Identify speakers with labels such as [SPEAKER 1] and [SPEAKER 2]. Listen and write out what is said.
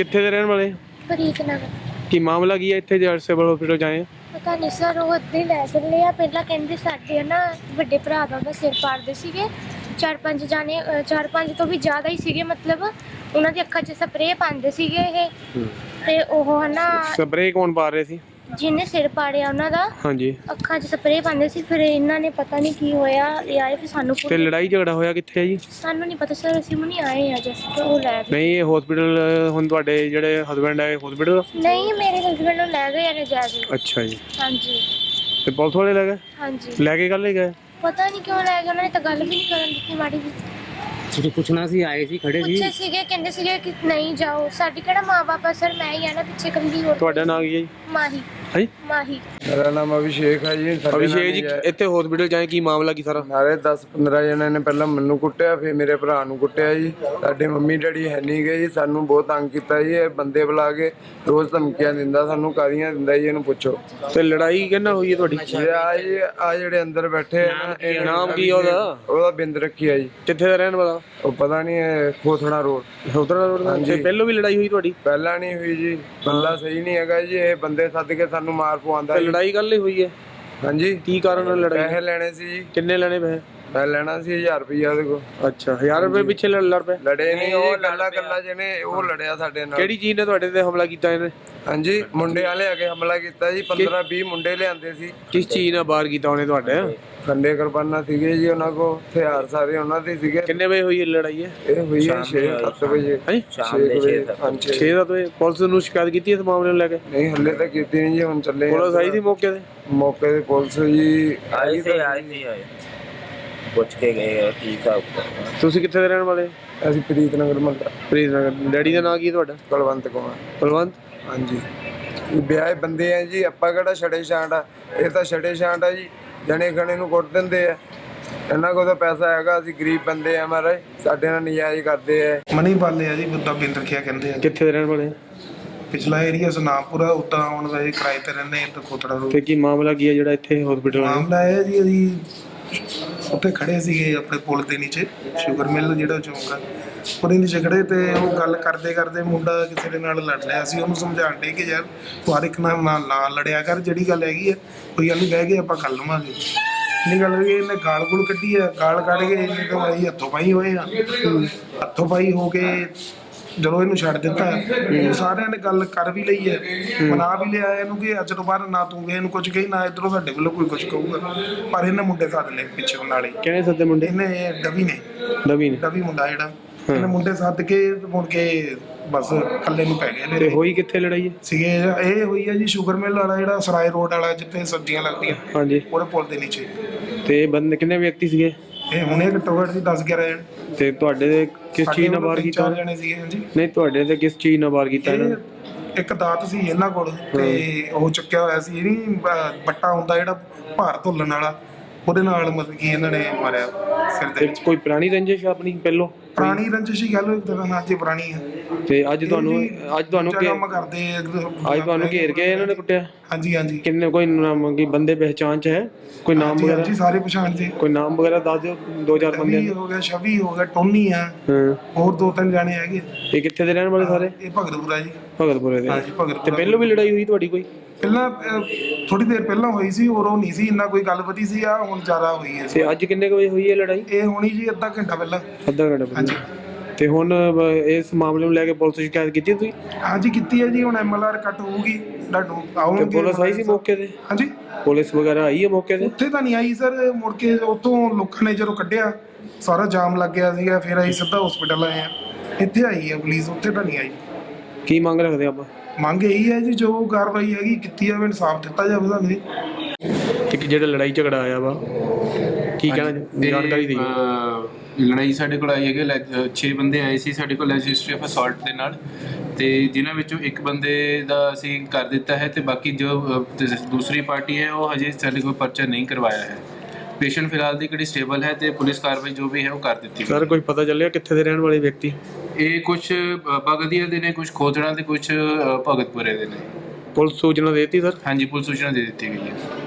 [SPEAKER 1] ਕਿੱਥੇ ਦੇ ਰਹਿਣ ਵਾਲੇ?
[SPEAKER 2] ਪ੍ਰੀਤ ਨਗਰ।
[SPEAKER 1] ਕੀ ਮਾਮਲਾ ਕੀ ਹੈ ਇੱਥੇ ਜੇ ਸਿਵਲ ਹਸਪੀਟਲ ਜਾਏ?
[SPEAKER 2] ਪਤਾ ਨਹੀਂ ਸਰ, ਉਹ ਇੱਦਾਂ ਹੀ ਲੈ ਚੱਲੇ ਆ। ਪਹਿਲਾਂ ਕਹਿੰਦੇ ਸਾਡੇ ਨਾ ਵੱਡੇ ਭਰਾ ਦਾ ਸਿਰ ਪਾੜਦੇ ਸੀਗੇ, 4-5 ਜਾਣੇ, 4-5 ਤੋਂ ਵੀ ਜ਼ਿਆਦਾ ਹੀ ਸੀਗੇ। ਮਤਲਬ ਉਹਨਾਂ ਦੀ ਅੱਖਾਂ 'ਚ ਸਪਰੇਅ ਪਾਉਂਦੇ ਸੀਗੇ ਇਹ, ਤੇ ਉਹ ਹਨਾ
[SPEAKER 1] ਸਪਰੇਅ ਕੌਣ ਪਾ ਰਹੇ ਸੀ?
[SPEAKER 2] ਜਿਹਨੇ ਸਿਰ ਪਾੜਿਆ ਉਹਨਾਂ ਦਾ।
[SPEAKER 1] ਹਾਂਜੀ।
[SPEAKER 2] ਅੱਖਾਂ 'ਚ ਸਪਰੇਅ ਪਾਉਂਦੇ ਸੀ। ਫਿਰ ਇਹਨਾਂ ਨੇ ਪਤਾ ਨਹੀਂ ਕੀ ਹੋਇਆ, ਇਹ ਆਏ ਫਿਰ ਸਾਨੂੰ।
[SPEAKER 1] ਤੇ ਲੜਾਈ ਝਗੜਾ ਹੋਇਆ ਕਿੱਥੇ ਹੈ ਜੀ?
[SPEAKER 2] ਸਾਨੂੰ ਨਹੀਂ ਪਤਾ ਸਰ, ਅਸੀਂ ਹੁਣੀ ਆਏ ਆ ਜਸਟ। ਉਹ ਲੈ ਗਏ।
[SPEAKER 1] ਨਹੀਂ, ਇਹ ਹਸਪੀਟਲ ਹੁਣ ਤੁਹਾਡੇ ਜਿਹੜੇ ਹਸਬੈਂਡ ਹੈ ਹਸਪੀਟਲ?
[SPEAKER 2] ਨਹੀਂ, ਮੇਰੇ ਹਸਬੈਂਡ ਨੂੰ ਲੈ ਗਏ ਨੇ ਜਾ ਕੇ।
[SPEAKER 1] ਅੱਛਾ ਜੀ।
[SPEAKER 2] ਹਾਂਜੀ।
[SPEAKER 1] ਤੇ ਪੁਲਿਸ ਵਾਲੇ ਲੈ ਗਏ?
[SPEAKER 2] ਹਾਂਜੀ।
[SPEAKER 1] ਲੈ ਕੇ ਕੱਲ ਹੀ ਗਏ?
[SPEAKER 2] ਪਤਾ ਨਹੀਂ ਕਿਉਂ ਲੈ ਗਏ, ਉਹਨਾਂ ਨੇ ਤਾਂ ਗੱਲ ਵੀ ਨਹੀਂ ਕਰਨ ਦਿੱਤੀ ਮਾੜੀ ਜੀ।
[SPEAKER 3] ਤੁਸੀਂ ਪੁੱਛਣਾ ਸੀ, ਆਏ ਸੀ, ਖੜੇ ਸੀ?
[SPEAKER 2] ਪੁੱਛੇ ਸੀਗੇ, ਕਹਿੰਦੇ ਸੀਗੇ ਕਿ ਨਹੀਂ ਜਾਓ। ਸਾਡੀ ਕਿਹੜਾ ਮਾਂ ਬਾਪ ਆ ਸਰ, ਮੈਂ ਹੀ ਆ ਨਾ ਪਿੱਛੇ ਕੱਲੀ। ਹੋਰ
[SPEAKER 1] ਤੁਹਾਡਾ ਨਾਮ ਕੀ ਹੈ ਜੀ?
[SPEAKER 2] ਮਾਹੀ।
[SPEAKER 1] ਹਾਂਜੀ
[SPEAKER 2] ਮਾਹੀ।
[SPEAKER 4] ਮੇਰਾ ਨਾਮ ਅਭਿਸ਼ੇਕ ਹੈ ਜੀ।
[SPEAKER 1] ਅਭਿਸ਼ੇਕ ਜੀ, ਇੱਥੇ ਹਸਪੀਟਲ ਜਾਏ ਕੀ ਮਾਮਲਾ ਕੀ ਸਾਰਾ?
[SPEAKER 4] ਨਾਲੇ 10-15 ਜਣਿਆਂ ਨੇ ਪਹਿਲਾਂ ਮੈਨੂੰ ਕੁੱਟਿਆ, ਫਿਰ ਮੇਰੇ ਭਰਾ ਨੂੰ ਕੁੱਟਿਆ ਜੀ। ਸਾਡੇ ਮੰਮੀ ਡੈਡੀ ਹੈ ਨਹੀਂ ਗਏ ਜੀ, ਸਾਨੂੰ ਬਹੁਤ ਤੰਗ ਕੀਤਾ ਜੀ। ਇਹ ਬੰਦੇ ਬੁਲਾ ਕੇ ਰੋਜ਼ ਧਮਕੀਆਂ ਦਿੰਦਾ, ਸਾਨੂੰ ਕਾਹਦੀਆਂ ਦਿੰਦਾ ਜੀ, ਇਹਨੂੰ ਪੁੱਛੋ।
[SPEAKER 1] ਤੇ ਲੜਾਈ ਕਿਹਨਾਂ ਹੋਈ ਹੈ ਤੁਹਾਡੀ?
[SPEAKER 4] ਆ ਜਿਹੜੇ ਅੰਦਰ ਬੈਠੇ ਆ ਨਾ, ਇਹ
[SPEAKER 1] ਨਾਮ ਕੀ ਹੈ ਉਹਦਾ?
[SPEAKER 4] ਉਹਦਾ ਬਿੰਦ ਰੱਖਿਆ ਜੀ।
[SPEAKER 1] ਕਿੱਥੇ ਦਾ ਰਹਿਣ ਵਾਲਾ?
[SPEAKER 4] ਉਹ ਪਤਾ ਨਹੀਂ, ਖੋਥੜਾ ਰੋਡ।
[SPEAKER 1] ਉਧਰ ਰੋਡ ਦਾ? ਤੇ ਪਹਿਲੋਂ ਵੀ ਲੜਾਈ ਹੋਈ ਤੁਹਾਡੀ?
[SPEAKER 4] ਪਹਿਲਾਂ ਨਹੀਂ ਹੋਈ ਜੀ, ਬੰਦਾ ਸਹੀ ਨਹੀਂ ਹੈਗਾ ਜੀ। ਇਹ ਬੰਦੇ ਸੱਦ ਕੇ ਸਾਨੂੰ ਮਾਰ ਪਵਾਉਂਦਾ।
[SPEAKER 1] ਲੜਾਈ ਕੱਲ ਹੀ ਹੋਈ ਹੈ?
[SPEAKER 4] ਹਾਂਜੀ।
[SPEAKER 1] ਕੀ ਕਾਰਨ ਨਾਲ ਲੜਾਈ?
[SPEAKER 4] ਪੈਸੇ ਲੈਣੇ ਸੀ ਜੀ।
[SPEAKER 1] ਕਿੰਨੇ ਲੈਣੇ ਪੈਸੇ?
[SPEAKER 4] ਮੈਂ ਲੈਣਾ ਸੀ 1000 ਰੁਪਇਆ ਉਹਦੇ ਕੋਲ।
[SPEAKER 1] ਅੱਛਾ, 1000 ਰੁਪਏ ਪਿੱਛੇ ਲੜ ਪਏ?
[SPEAKER 4] ਲੜੇ ਨਹੀਂ, ਉਹ ਕੱਲਾ ਜਿਹਨੇ ਉਹ ਲੜਿਆ ਸਾਡੇ ਨਾਲ।
[SPEAKER 1] ਕਿਹੜੀ ਚੀਜ਼ ਨੇ ਤੁਹਾਡੇ ਤੇ ਹਮਲਾ ਕੀਤਾ ਇਹਨੇ?
[SPEAKER 4] ਹਾਂਜੀ, ਮੁੰਡੇ ਵਾਲੇ ਆ ਕੇ ਹਮਲਾ ਕੀਤਾ ਜੀ। 15-20 ਮੁੰਡੇ ਲਿਆਂਦੇ ਸੀ।
[SPEAKER 1] ਕਿਸ ਚੀਜ਼ ਨਾਲ ਵਾਰ ਕੀਤਾ ਉਹਨੇ ਤੁਹਾਡੇ?
[SPEAKER 4] ਖੰਡੇ ਕਿਰਪਾਨਾਂ ਸੀਗੇ ਜੀ ਉਹਨਾਂ ਕੋਲ, ਹਥਿਆਰ ਸਾਰੇ ਉਹਨਾਂ ਦੇ ਸੀਗੇ।
[SPEAKER 1] ਕਿੰਨੇ ਵਜੇ ਹੋਈ ਇਹ ਲੜਾਈ ਹੈ?
[SPEAKER 4] ਇਹ ਹੋਈ ਹੈ 6-7 ਵਜੇ।
[SPEAKER 1] ਹਾਂਜੀ,
[SPEAKER 4] ਸ਼ਾਮ ਦੇ
[SPEAKER 1] 6-7 ਵਜੇ। ਪੁਲਿਸ ਨੂੰ ਸ਼ਿਕਾਇਤ ਕੀਤੀ ਇਸ ਮਾਮਲੇ ਨੂੰ ਲੈ ਕੇ?
[SPEAKER 4] ਨਹੀਂ, ਹੱਲੇ ਤਾਂ ਕੀਤੀ ਨਹੀਂ ਜੀ, ਹੁਣ ਚੱਲੇ।
[SPEAKER 1] ਪੁਲਿਸ ਆਈ ਸੀ ਮੌਕੇ ਤੇ?
[SPEAKER 4] ਮੌਕੇ ਤੇ ਪੁਲਿਸ ਜੀ ਆਈ
[SPEAKER 3] ਸੀ, ਪੁੱਛ ਕੇ ਗਏ ਕੀ ਹਿਸਾਬ।
[SPEAKER 1] ਤੁਸੀਂ ਕਿੱਥੇ ਦੇ ਰਹਿਣ ਵਾਲੇ?
[SPEAKER 4] ਅਸੀਂ ਪ੍ਰੀਤ ਨਗਰ ਮੱਲਾ।
[SPEAKER 1] ਪ੍ਰੀਤ ਨਗਰ। ਡੈਡੀ ਦਾ ਨਾਂ ਕੀ ਤੁਹਾਡਾ?
[SPEAKER 4] ਕੁਲਵੰਤ ਕੁਮਾਰ।
[SPEAKER 1] ਕੁਲਵੰਤ।
[SPEAKER 4] ਹਾਂਜੀ। ਵਿਆਹ ਬੰਦੇ ਆ ਜੀ, ਆਪਾਂ ਕਿਹੜਾ ਛੜੇ ਛਾਂਟ ਆ? ਇਹ ਤਾਂ ਛੜੇ ਛਾਂਟ ਆ ਜੀ, ਜਣੇ ਖਣੇ ਨੂੰ ਕੁੱਟ ਦਿੰਦੇ ਆ। ਇਹਨਾਂ ਕੋਲ ਤਾਂ ਪੈਸਾ ਹੈਗਾ, ਅਸੀਂ ਗਰੀਬ ਬੰਦੇ ਆ ਮਹਾਰਾਜ, ਸਾਡੇ ਨਾਲ ਨਜਾਇਜ਼ ਕਰਦੇ ਆ।
[SPEAKER 5] ਮਨੀ ਪਾਲੇ ਆ ਜੀ, ਬੁੱਧਾ ਬਿੰਦ ਰੱਖਿਆ ਕਹਿੰਦੇ ਆ।
[SPEAKER 1] ਕਿੱਥੇ ਦੇ ਰਹਿਣ ਵਾਲੇ?
[SPEAKER 5] ਪਿਛਲਾ ਏਰੀਆ ਸੁਨਾਮਪੁਰਾ, ਉੱਦਾਂ ਹੁਣ ਵੈਸੇ ਕਿਰਾਏ ਤੇ ਰਹਿੰਦੇ ਆ, ਖੋਤੜਾ ਰੋਡ।
[SPEAKER 1] ਤੇ ਕੀ ਮਾਮਲਾ ਕੀ ਹੈ ਜਿਹੜਾ ਇੱਥੇ ਹਸਪੀਟਲ ਆਇਆ?
[SPEAKER 5] ਮਾਮਲਾ ਇਹ ਜੀ, ਅਸੀਂ ਉੱਥੇ ਖੜੇ ਸੀਗੇ ਆਪਣੇ ਪੁਲ ਦੇ ਨੀਚੇ, ਸ਼ੂਗਰ ਮਿਲ ਜਿਹੜਾ ਚੌਂਕ ਆ, ਉਹਦੇ ਨੀਚੇ ਖੜੇ। ਤੇ ਉਹ ਗੱਲ ਕਰਦੇ ਕਰਦੇ ਮੁੰਡਾ ਕਿਸੇ ਦੇ ਨਾਲ ਲੜ ਲਿਆ। ਅਸੀਂ ਉਹਨੂੰ ਸਮਝਾਉਣ ਡੇ ਕਿ ਯਾਰ ਤੂੰ ਹਰ ਇੱਕ ਨਾਲ ਨਾ ਲੜਿਆ ਕਰ, ਜਿਹੜੀ ਗੱਲ ਹੈਗੀ ਆ ਕੋਈ ਗੱਲ ਨਹੀਂ, ਬਹਿ ਕੇ ਆਪਾਂ ਕਰ ਲਵਾਂਗੇ। ਇਹ ਗੱਲ ਹੋਈ, ਇਹਨੇ ਗਾਲ ਗੁਲ ਕੱਢੀ ਆ। ਗਾਲ ਕੱਢ ਕੇ ਇਹਨੇ ਤਾਂ ਅਸੀਂ ਹੱਥੋਂ ਪਾਈ ਹੋਏ ਆ। ਹੱਥੋਂ ਪਾਈ ਹੋ ਕੇ ਜਦੋਂ ਇਹਨੂੰ ਛੱਡ ਦਿੱਤਾ, ਸਾਰਿਆਂ ਨੇ ਗੱਲ ਕਰ ਵੀ ਲਈ ਹੈ, ਮਨਾ ਵੀ ਲਿਆ ਇਹਨੂੰ ਕਿ ਅੱਜ ਤੋਂ ਬਾਅਦ ਨਾ ਤੂੰ ਇਹਨੂੰ ਕੁਝ ਕਹੀ, ਨਾ ਇੱਧਰੋਂ ਸਾਡੇ ਵੱਲੋਂ ਕੋਈ ਕੁਝ ਕਹੂਗਾ। ਪਰ ਇਹਨੇ ਮੁੰਡੇ ਸੱਦ ਲਏ ਪਿੱਛੇ ਨਾਲ ਹੀ।
[SPEAKER 1] ਕਿਹਨੇ ਸੱਦੇ ਮੁੰਡੇ?
[SPEAKER 5] ਇਹਨੇ ਡਵੀ ਨੇ,
[SPEAKER 1] ਡਵੀ
[SPEAKER 5] ਮੁੰਡਾ ਜਿਹੜਾ, ਇਹਨੇ ਮੁੰਡੇ ਸੱਦ ਕੇ ਮੁੜ ਕੇ ਬਸ ਇਕੱਲੇ ਨੂੰ ਪੈ ਗਏ।
[SPEAKER 1] ਤੇ ਹੋਈ ਕਿੱਥੇ ਲੜਾਈ ਹੈ?
[SPEAKER 5] ਸੀਗੇ ਇਹ ਹੋਈ ਹੈ ਜੀ ਸ਼ੂਗਰ ਮਿਲ ਵਾਲਾ, ਜਿਹੜਾ ਸਰਾਏ ਰੋਡ ਵਾਲਾ, ਜਿੱਥੇ ਸਬਜ਼ੀਆਂ ਲੱਗਦੀਆਂ।
[SPEAKER 1] ਹਾਂਜੀ।
[SPEAKER 5] ਉਹਦੇ ਪੁਲ ਦੇ ਨੀਚੇ।
[SPEAKER 1] ਤੇ ਬੰਦੇ ਕਿੰਨੇ ਵਿਅਕਤੀ ਸੀਗੇ?
[SPEAKER 5] ਇਹ ਹੁਣੇ ਘੱਟੋ ਘੱਟ 10-11 ਜਣੇ।
[SPEAKER 1] ਤੇ ਤੁਹਾਡੇ ਤੇ ਕਿਸ ਚੀਜ਼ ਨਾਲ ਵਾਰ ਕੀਤਾ?
[SPEAKER 5] 4 ਜਣੇ ਸੀਗੇ। ਹਾਂਜੀ।
[SPEAKER 1] ਨਹੀਂ, ਤੁਹਾਡੇ ਤੇ ਕਿਸ ਚੀਜ਼ ਨਾਲ ਵਾਰ ਕੀਤਾ ਇਹਨਾਂ ਨੇ?
[SPEAKER 5] ਇੱਕ ਦਾਤ ਸੀ ਇਹਨਾਂ ਕੋਲ, ਤੇ ਉਹ ਚੁੱਕਿਆ ਹੋਇਆ ਸੀ, ਇਹ ਨਹੀਂ ਬੱਟਾ ਹੁੰਦਾ ਜਿਹੜਾ ਭਾਰ ਧੁੱਲਣ ਵਾਲਾ, ਉਹਦੇ ਨਾਲ ਮਤਲਬ ਕਿ ਇਹਨਾਂ ਨੇ ਮਾਰਿਆ ਸਿਰ ਦੇ ਵਿੱਚ।
[SPEAKER 1] ਕੋਈ ਪੁਰਾਣੀ ਰੰਜਿਸ਼ ਆਪਣੀ ਪਹਿਲੋਂ?
[SPEAKER 5] ਪੁਰਾਣੀ ਰੰਜਿਸ਼ ਹੀ ਗੱਲ ਅੱਜ ਪੁਰਾਣੀ ਹੈ।
[SPEAKER 1] ਤੇ ਅੱਜ ਤੁਹਾਨੂੰ
[SPEAKER 5] ਕੰਮ ਕਰਦੇ
[SPEAKER 1] ਅੱਜ ਤੁਹਾਨੂੰ ਘੇਰ ਕੇ ਇਹਨਾਂ ਨੇ ਕੁੱਟਿਆ?
[SPEAKER 5] ਹਾਂਜੀ ਹਾਂਜੀ।
[SPEAKER 1] ਕਿੰਨੇ ਕੋਈ ਨਾਮ ਕੀ ਬੰਦੇ ਪਹਿਚਾਣ ਚ ਹੈ? ਕੋਈ ਨਾਮ ਵਗੈਰਾ?
[SPEAKER 5] ਜੀ ਸਾਰੇ ਪਛਾਣ ਜੀ।
[SPEAKER 1] ਕੋਈ ਨਾਮ ਵਗੈਰਾ ਦੱਸ ਦਿਓ, 2-4 ਬੰਦੇ
[SPEAKER 5] ਹੋ ਗਿਆ, ਛਵੀ ਹੋ ਗਿਆ, ਟੋਨੀ ਆ, ਹੋਰ 2-3 ਜਾਣੇ ਹੈਗੇ।
[SPEAKER 1] ਇਹ ਕਿੱਥੇ ਦੇ ਰਹਿਣ ਵਾਲੇ ਸਾਰੇ?
[SPEAKER 5] ਇਹ ਭਗਤਪੁਰਾ ਜੀ।
[SPEAKER 1] ਭਗਤਪੁਰੇ ਦੇ?
[SPEAKER 5] ਹਾਂਜੀ, ਭਗਤਪੁਰਾ।
[SPEAKER 1] ਤੇ ਪਹਿਲੋਂ ਵੀ ਲੜਾਈ ਹੋਈ ਤੁਹਾਡੀ ਕੋਈ?
[SPEAKER 5] ਪਹਿਲਾਂ ਥੋੜੀ ਦੇਰ ਪਹਿਲਾਂ ਹੋਈ ਸੀ, ਉਹ ਨਹੀਂ ਸੀ ਇੰਨਾ ਕੋਈ ਗੱਲ ਵਧੀ ਸੀ। ਆ ਹੁਣ ਜ਼ਿਆਦਾ ਹੋਈ ਹੈ।
[SPEAKER 1] ਤੇ ਅੱਜ ਕਿੰਨੇ ਵਜੇ ਹੋਈ ਹੈ ਲੜਾਈ?
[SPEAKER 5] ਇਹ ਹੋਣੀ ਜੀ ਅੱਧਾ ਘੰਟਾ ਪਹਿਲਾਂ।
[SPEAKER 1] ਅੱਧਾ ਘੰਟਾ ਪਹਿਲਾਂ?
[SPEAKER 5] ਹਾਂਜੀ।
[SPEAKER 1] ਤੇ ਹੁਣ ਇਸ ਮਾਮਲੇ ਨੂੰ ਲੈ ਕੇ ਪੁਲਿਸ ਸ਼ਿਕਾਇਤ ਕੀਤੀ ਤੁਸੀਂ?
[SPEAKER 5] ਹਾਂਜੀ ਕੀਤੀ ਹੈ ਜੀ, ਹੁਣ MLR ਕੱਟ ਹੋਊਗੀ, ਆਉਣਗੇ।
[SPEAKER 1] ਪੁਲਿਸ ਆਈ ਸੀ ਮੌਕੇ ਤੇ?
[SPEAKER 5] ਹਾਂਜੀ,
[SPEAKER 1] ਪੁਲਿਸ ਵਗੈਰਾ ਆਈ ਹੈ ਮੌਕੇ ਤੇ?
[SPEAKER 5] ਉੱਥੇ ਤਾਂ ਨਹੀਂ ਆਈ ਸਰ, ਮੁੜ ਕੇ ਉੱਥੋਂ ਲੋਕਾਂ ਨੇ ਜਦੋਂ ਕੱਢਿਆ ਸਾਰਾ ਜਾਮ ਲੱਗ ਗਿਆ ਸੀਗਾ, ਫਿਰ ਅਸੀਂ ਸਿੱਧਾ ਹਸਪੀਟਲ ਆਏ ਆ। ਇੱਥੇ ਆਈ ਹੈ ਪੁਲਿਸ, ਉੱਥੇ ਤਾਂ ਨਹੀਂ ਆਈ।
[SPEAKER 1] ਕੀ ਮੰਗ ਰੱਖਦੇ ਆਪਾਂ?
[SPEAKER 5] ਮੰਗ ਇਹੀ ਹੈ ਜੀ, ਜੋ ਕਾਰਵਾਈ ਹੈਗੀ ਕੀਤੀ ਜਾਵੇ, ਇਨਸਾਫ ਦਿੱਤਾ ਜਾਵੇ ਸਾਨੂੰ।
[SPEAKER 1] ਇੱਕ ਜਿਹੜਾ ਲੜਾਈ ਝਗੜਾ ਆਇਆ ਵਾ, ਕੀ ਕਹਿਣਾ, ਜਾਣਕਾਰੀ ਦਿਓ।
[SPEAKER 6] ਲੜਾਈ ਸਾਡੇ ਕੋਲ ਆਈ ਹੈਗੀ, 6 ਬੰਦੇ ਆਏ ਸੀ ਸਾਡੇ ਕੋਲ ਰਜਿਸਟਰੀ ਆਫ ਅਸੌਲਟ ਦੇ ਨਾਲ, ਤੇ ਜਿਨ੍ਹਾਂ ਵਿੱਚੋਂ ਇੱਕ ਬੰਦੇ ਦਾ ਅਸੀਂ ਕਰ ਦਿੱਤਾ ਹੈ, ਤੇ ਬਾਕੀ ਜੋ ਦੂਸਰੀ ਪਾਰਟੀ ਹੈ ਉਹ ਹਜੇ ਸਾਡੇ ਕੋਲ ਪਰਚਾ ਨਹੀਂ ਕਰਵਾਇਆ ਹੈ। ਪੇਸ਼ੈਂਟ ਫਿਲਹਾਲ ਦੀ ਕਿਹੜੀ ਸਟੇਬਲ ਹੈ, ਤੇ ਪੁਲਿਸ ਕਾਰਵਾਈ ਜੋ ਵੀ ਹੈ ਉਹ ਕਰ ਦਿੱਤੀ।
[SPEAKER 1] ਸਰ ਕੋਈ ਪਤਾ ਚੱਲਿਆ ਕਿੱਥੇ ਦੇ ਰਹਿਣ ਵਾਲੇ ਵਿਅਕਤੀ?
[SPEAKER 6] ਇਹ ਕੁਝ ਬਗਦੀਆ ਦੇ ਨੇ, ਕੁਝ ਖੋਜਣਾ ਤੇ ਕੁਝ ਭਗਤਪੁਰੇ ਦੇ ਨੇ।
[SPEAKER 1] ਪੁਲਿਸ ਸੂਚਨਾ ਦੇ ਦਿੱਤੀ ਸਰ?
[SPEAKER 6] ਹਾਂਜੀ, ਪੁਲਿਸ ਸੂਚਨਾ ਦੇ ਦਿੱਤੀ ਗਈ ਹੈ।